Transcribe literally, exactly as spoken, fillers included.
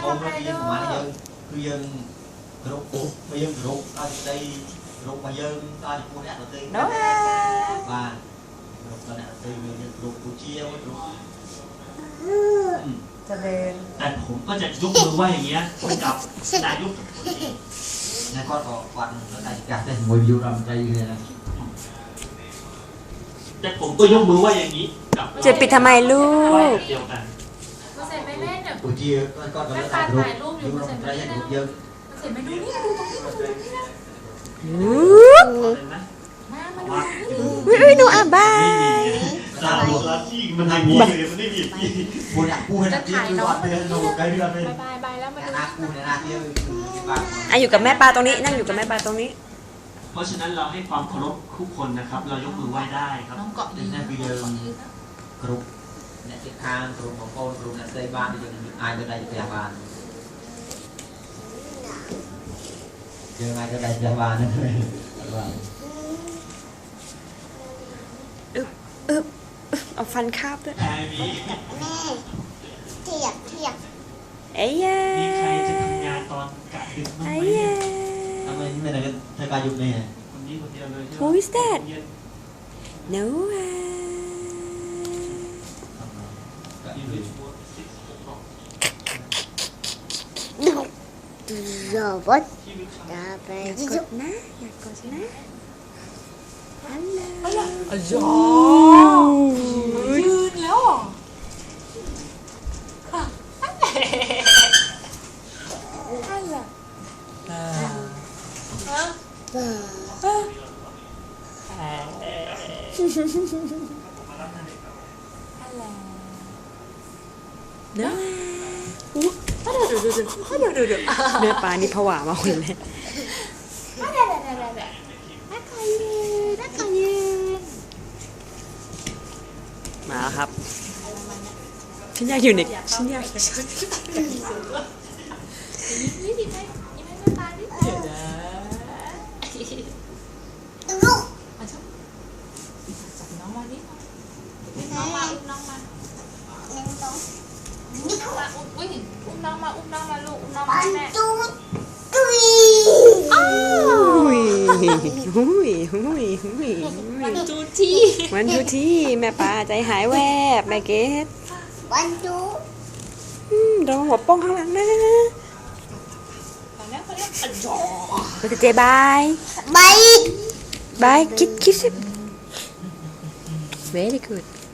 มเราเยี่ยมมาเยอะคือยังรูปมายังรูปตอนใจรูปมายังตอนกูเนี่ยเราตีบ้านรูปตอนเนี่ยตีรูปกูเชี่ยวรูปจะเดินแต่ผมก็จะยกมือไหว้อย่างเงี้ยกับนายกนายก็ออกวันแล้วนายอยากได้มวยยูรำใจเลยนะแต่ผมก็ยกมือไหว้อย่างนี้กับจะปิดทำไมลูกเดียวกันเสร็จไหมแม่เนี่ยกูเชี่ยวก็ก็แล้วนายรูปยูรำใจยังรูปเยอะเสร็จไหมดูนี่ดูตรงนี้ดูตรงนี้นะมามาดูวิวิหนูอ่ะบายสาวลาที่มันทำอย่างนี้เลยมันไม่มีกูอยากกูให้นักเที่ยวดูว่าเป็นดูไกลเรือเป็นบายบายแล้วมาดูนักกูเนี่ยนักเที่ยวบ้านอ่ะอยู่กับแม่ปลาตรงนี้นั่งอยู่กับแม่ปลาตรงนี้เพราะฉะนั้นเราให้ความเคารพทุกคนนะครับเรายกมือไหว้ได้ครับน้องเกาะยืนนั่นคือเดิมกรุ๊ปเนี่ยทิศทางกรุ๊ปของโคนกรุ๊ปนักเตะบ้านที่จะอายจะได้พยาบาลเจอไงก็ได้พยาบาลนั่นเลยอึ๊บอึ๊บเอาฟันคาบด้วยแม่เทียบเทียบเอ้ยมีใครจะทำงานตอนกะดึกบ้างไหมทำไมไม่ได้เธอการยุบเนี่ยคนนี้คนเดียวเลย Who is that No โรบอทจะไปกดนะอยากกดนะฮัลโหลอ๋อยืนแล้วเนื้อเดี๋ยวเดี๋ยวเดี๋ยวเดี๋ยวเดี๋ยวเนื้อปลานี่ผวามาคนเลยมาครับฉันอยากอยู่ในฉันอยากนี่ดิไหมนี่ไม่ไม่ปลาดิเดี๋ยวนะมาจับจับน้องมาดิน้องมาอุ้มน้องมาอุ้มน้องมาอุ้ยอุ้มน้องมาอุ้มน้องมาลูกอุ้มน้องมาแม่จุ๊บจุ๊ยหุยหุยหุยหุยมันจูที่มันจูที่แม่ปลาใจหายแวบแม่เกดวันจุ๊บโดนหัวป้องข้างหลังนะตอนนี้เขาเรียกอันจอเราจะเจบายบายบายคิดคิดสิ very good